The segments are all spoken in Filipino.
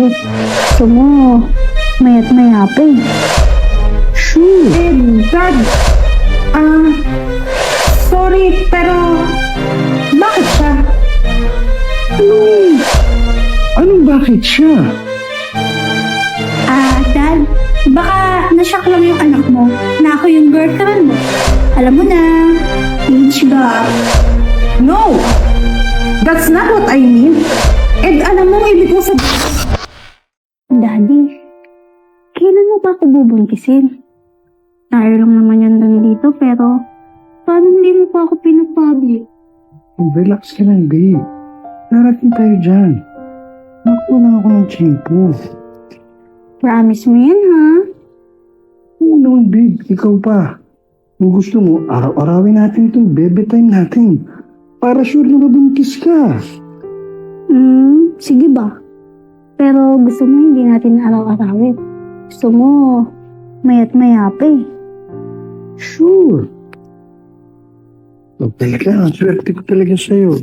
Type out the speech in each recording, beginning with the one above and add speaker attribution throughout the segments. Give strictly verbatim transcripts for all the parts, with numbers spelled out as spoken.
Speaker 1: bakit? Gusto mo, mayat maya pa eh.
Speaker 2: Sure. Eh, Dad. Ah, sorry, pero bakit siya?
Speaker 3: Anong, anong bakit siya?
Speaker 1: Ah, Dad, baka nashock lang yung anak mo na ako yung girlfriend mo. Alam mo na, age gap.
Speaker 2: No! That's not what I mean. And alam mo, ibig ko sabihin...
Speaker 1: Daddy, kailan mo pa ako bubuntisin? Tayo lang naman yan lang dito, pero paano hindi mo pa ako pinapublic?
Speaker 3: Relax ka lang, babe. Narating tayo dyan. Nakuha lang ako ng tiyempo.
Speaker 1: Promise mo yan, ha?
Speaker 3: Oo naman, babe. Ikaw pa. Kung gusto mo, araw-arawin natin itong bebe time natin. Para sure na mabuntis ka.
Speaker 1: Hmm, sige ba? Pero gusto mo hindi natin araw-arawin. Gusto mo, mayat maya pa eh.
Speaker 3: Sure. Oh, talaga, ang swerte ko talaga sa'yo.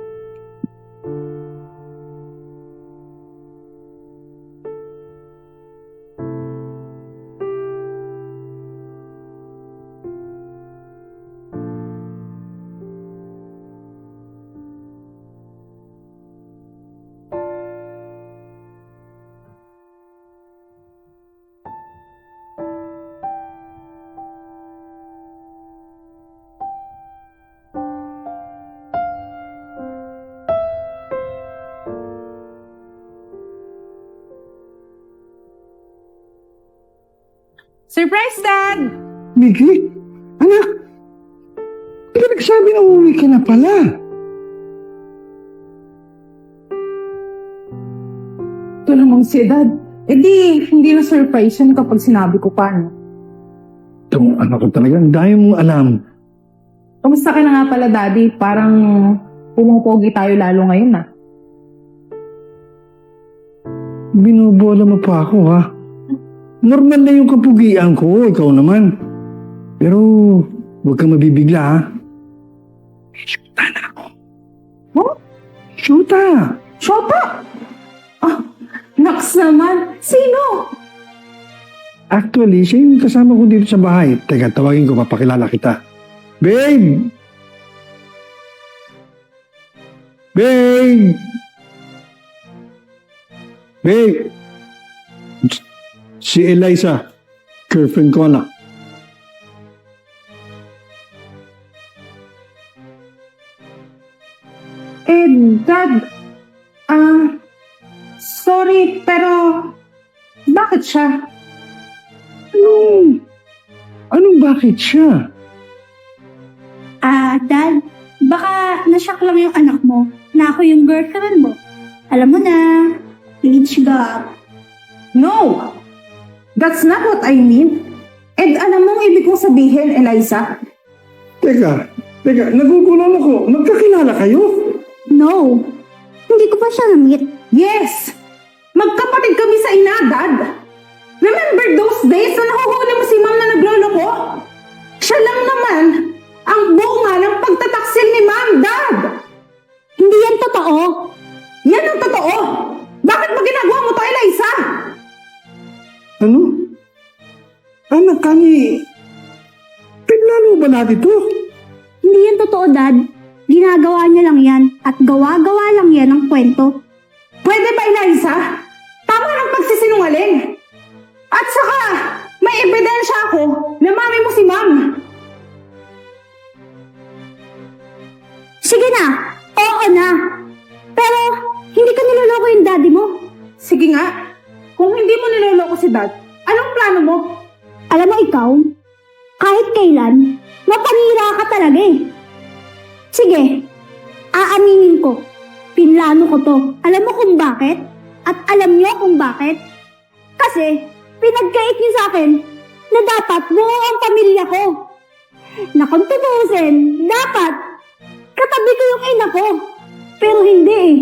Speaker 2: Surprise, Dad!
Speaker 3: Miggy? Anak? Hindi ka nagsabi na uuwi ka na pala.
Speaker 2: Ito namang si Dad. Eh di, hindi na surprise yan kapag sinabi ko pa, no?
Speaker 3: Itong anak ko talaga, ang dami mong alam.
Speaker 2: Kamusta ka na nga pala, Daddy? Parang pumupogi tayo lalo ngayon, ah.
Speaker 3: Binubola mo pa ako, ha? Normal na yung kapugian ko, ikaw naman. Pero, huwag kang mabibigla, ha? Shoota na ako.
Speaker 2: Huh?
Speaker 3: Shoota!
Speaker 2: Shota! Ah, naks naman. Sino?
Speaker 3: Actually, siya yung kasama ko dito sa bahay. Teka, tawagin ko, papakilala kita. Babe! Babe! Babe! Si Eliza, girlfriend ko na.
Speaker 2: Eh, Dad. Ah, sorry, pero bakit siya?
Speaker 3: Anong, anong bakit siya?
Speaker 1: Ah, Dad, baka nashock lang yung anak mo na ako yung girlfriend mo. Alam mo na, age gap.
Speaker 2: No! That's not what I mean. And alam mo, ibig kong sabihin, Eliza?
Speaker 3: Teka, teka, nagugulan ako. Magkakilala kayo?
Speaker 1: No, hindi ko pa siya na-meet.
Speaker 2: Yes! Magkapatid kami sa ina, Dad. Remember those days na nahuhuli mo si Ma'am na naglolo ko? Siya lang naman ang bunga ng pagtataksil ni Ma'am, Dad.
Speaker 1: Hindi yan totoo.
Speaker 2: Yan ang totoo. Bakit mo ginagawa mo to, Eliza?
Speaker 3: Ano? Anak kami, pinlano ba natin to?
Speaker 1: Hindi yan totoo, Dad. Ginagawa niya lang yan at gawa-gawa lang yan ng kwento.
Speaker 2: Pwede ba, Eliza? Tama ng pagsisinungaling. At saka, may ebidensya ako na mami mo si Ma'am.
Speaker 1: Sige na, oo na. Pero, hindi ka niloloko yung daddy mo.
Speaker 2: Sige nga, kung hindi mo niloloko si Dad, anong plano mo?
Speaker 1: Alam mo ikaw, kahit kailan, mapanira ka talaga eh. Sige, aaminin ko. Pinlano ko to. Alam mo kung bakit? At alam niyo kung bakit? Kasi, pinagkait niyo sa akin na dapat buo ang pamilya ko. Na kung tutusin, dapat katabi ko yung ina ko. Pero hindi eh.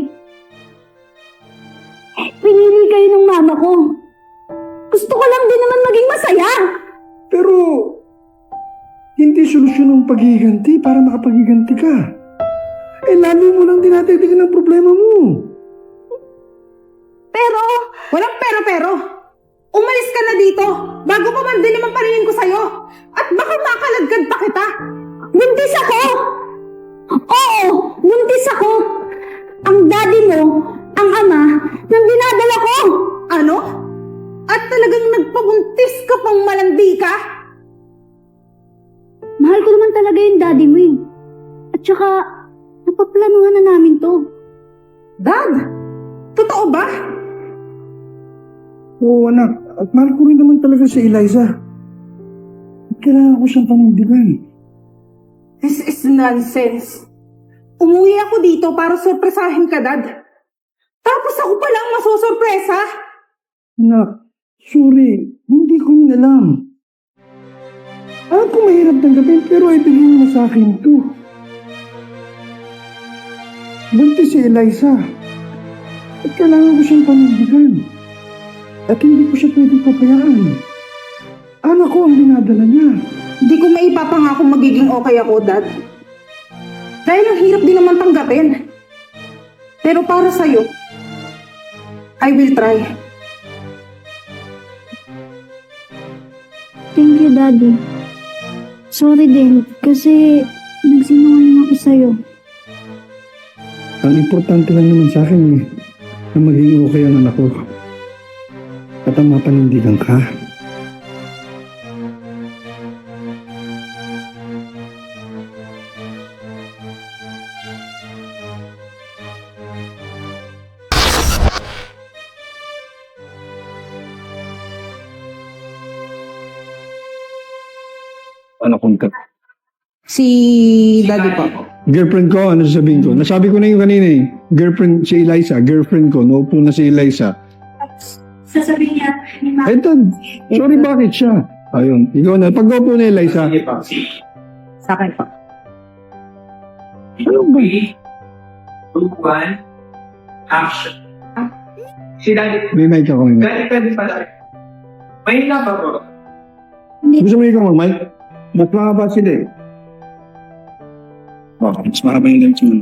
Speaker 1: Pinili kayo ng mama ko. Gusto ko lang din naman maging masaya.
Speaker 3: Pero, hindi solusyon ang paghiganti para makapaghiganti ka. Eh, lalo mo lang dinatagdagan ng problema mo.
Speaker 1: Pero,
Speaker 2: Walang pero-pero. Umalis ka na dito bago pa man din naman paningin ko sa'yo. At baka makaladkad pa kita.
Speaker 1: Buntis ako! Oo, buntis ako! Ang daddy mo, ang ama, ng dinadala ko!
Speaker 2: Ano? At talagang nagpabuntis ka pang malandi ka?
Speaker 1: Mahal ko naman talaga yung daddy mo eh. At saka, napaplanuhan na namin to.
Speaker 2: Dad, totoo ba?
Speaker 3: Oo, anak. At mahal ko rin naman talaga si Eliza. At kailangan ko siyang panindigan.
Speaker 2: This is nonsense. Umuwi ako dito para sorpresahin ka, Dad. Tapos ako pala ang masosorpresa.
Speaker 3: Anak, sorry. Hindi ko yun alam. Alam ko mahirap tanggapin pero ibigay mo sa akin to. Buntis si Eliza. At kailangan ko siyang panindigan. At hindi ko siya pwedeng papayaan. Anak ko ang dinadala niya.
Speaker 2: Hindi ko maipapangako magiging okay ako, Dad. Dahil ang hirap din naman tanggapin. Pero para sa'yo, I will try.
Speaker 1: Thank you, daddy. Sorry din, kasi nagsinungaling ako sa'yo.
Speaker 3: Ang importante lang naman sa akin eh, na maging okay ang anak ko. At ang mapanindigan ka. Ano kung ka?
Speaker 2: Si Daddy po.
Speaker 3: Girlfriend ko, ano sasabihin ko? Nasabi ko na yung kanina eh. Girlfriend si Eliza, girlfriend ko. Naupo na si Eliza.
Speaker 1: Sasabihin niya, ni Ma.
Speaker 3: Ay, Dad, sorry, bakit siya? Ayun, ikaw na. Pag naupo na Eliza.
Speaker 2: Sa akin po.
Speaker 3: Ano ba?
Speaker 4: three, two, one, action. Si Daddy,
Speaker 3: May mic ako ngayon.
Speaker 4: Daddy pwede pala. May na ba bro?
Speaker 3: Gusto mo ikaw mag-mic? Mas mahaba sila eh. Oh, mas mahaba yung lens mo.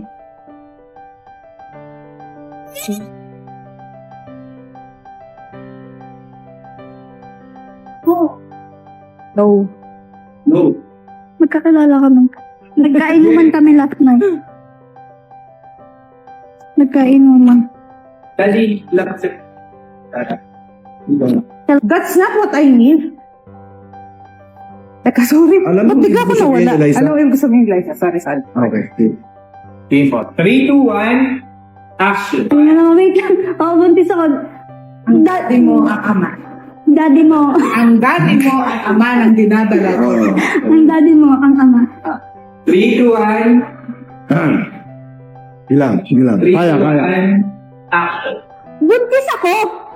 Speaker 1: Oo.
Speaker 2: No.
Speaker 3: No.
Speaker 1: Magkakilala kami. Nagkainuman kami last night. Nagkainuman.
Speaker 4: Daddy, lang sa...
Speaker 2: That's not what I mean. Teka, sorry.
Speaker 3: Alam mo,
Speaker 2: Ba't bigla ko
Speaker 3: ibig sabihin,
Speaker 2: nawala?
Speaker 3: Eliza?
Speaker 2: Ano yung gusto sabihin, Eliza? Sorry, sorry.
Speaker 3: Okay.
Speaker 4: Game po. three, two, one, action.
Speaker 1: Tingnan na, wait lang. Oo, buntis ako.
Speaker 2: Ang daddy mo ang ama.
Speaker 1: Daddy mo.
Speaker 2: Ang daddy mo ang ama ng dinadala ko.
Speaker 1: Ang daddy mo, ang ama.
Speaker 4: three, two, one,
Speaker 3: Ah. Ilang, sige lang.
Speaker 4: three,
Speaker 3: Kaya,
Speaker 4: two,
Speaker 3: kaya.
Speaker 4: one, action.
Speaker 1: Buntis ako.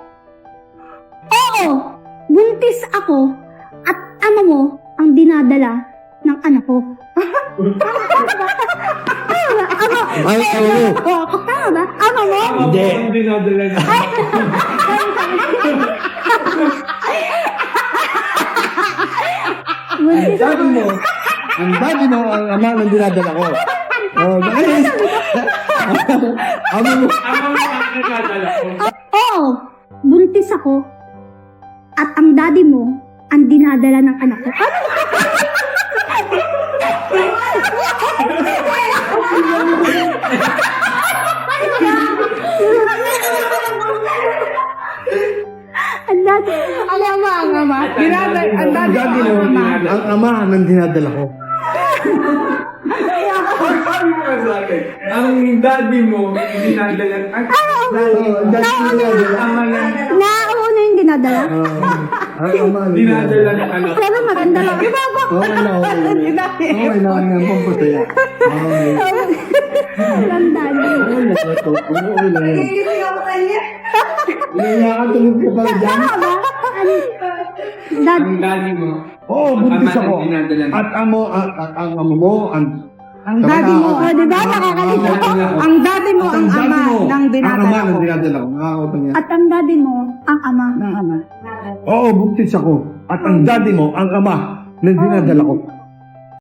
Speaker 1: Oo, buntis ako. At ama mo ang dinadala ng anak ko. Tama ba? Ama.
Speaker 3: Ay, ano?
Speaker 1: Tama ba? Ama mo?
Speaker 3: Hindi.
Speaker 4: Ang dinadala niya.
Speaker 1: Buntis
Speaker 3: Daddy mo. Ang daddy mo ang ama ng dinadala ko. Oh, bakit? Ama mo.
Speaker 4: Ang mga nakakadala ko.
Speaker 1: Oo, buntis ako. At ang daddy mo ang dinadala ng anak ko. Ano? Ang daddy, ang ama, ang ama.
Speaker 2: Dinadala, ang
Speaker 3: Ang
Speaker 2: daddy
Speaker 3: daddy
Speaker 2: mo
Speaker 3: mo,
Speaker 2: ang ama.
Speaker 3: ang ama ng dinadala ko.
Speaker 4: Sabi mo sa akin, ang daddy mo, dinadala. Ang
Speaker 3: Oh, ang daddy mo dinadala.
Speaker 4: ama lang,
Speaker 1: Nauna yung dinadala.
Speaker 3: Oh, ang ama ng
Speaker 4: dinadala ng anak.
Speaker 1: Pero maganda lang. Iba ba?
Speaker 3: Okay na, okay na. Okay na, okay na. Pampataya. Okay.
Speaker 1: Ang daddy.
Speaker 3: Okay na, ito. Okay lang yan. Inayakatulog ka pala dyan.
Speaker 1: Tama ba? Ang dad,
Speaker 4: Ang daddy mo,
Speaker 3: Oo,
Speaker 4: ang
Speaker 3: buntis
Speaker 4: ama
Speaker 3: ako.
Speaker 4: ng dinadala.
Speaker 3: At amo, ang, ang, ang amo mo, ang...
Speaker 2: Ang daddy mo,
Speaker 1: o di ba nakakalito?
Speaker 2: ang daddy mo
Speaker 3: At
Speaker 2: ang
Speaker 3: daddy
Speaker 2: ama
Speaker 3: mo,
Speaker 2: ng
Speaker 3: Ang ama
Speaker 2: dinadala
Speaker 3: ng
Speaker 2: ko.
Speaker 3: dinadala ko. Nakakautan niya.
Speaker 1: At ang daddy mo, ang ama.
Speaker 2: Ng ama.
Speaker 3: Oo, buntis ako. At ang daddy mo, ang ama ng dinadala ko.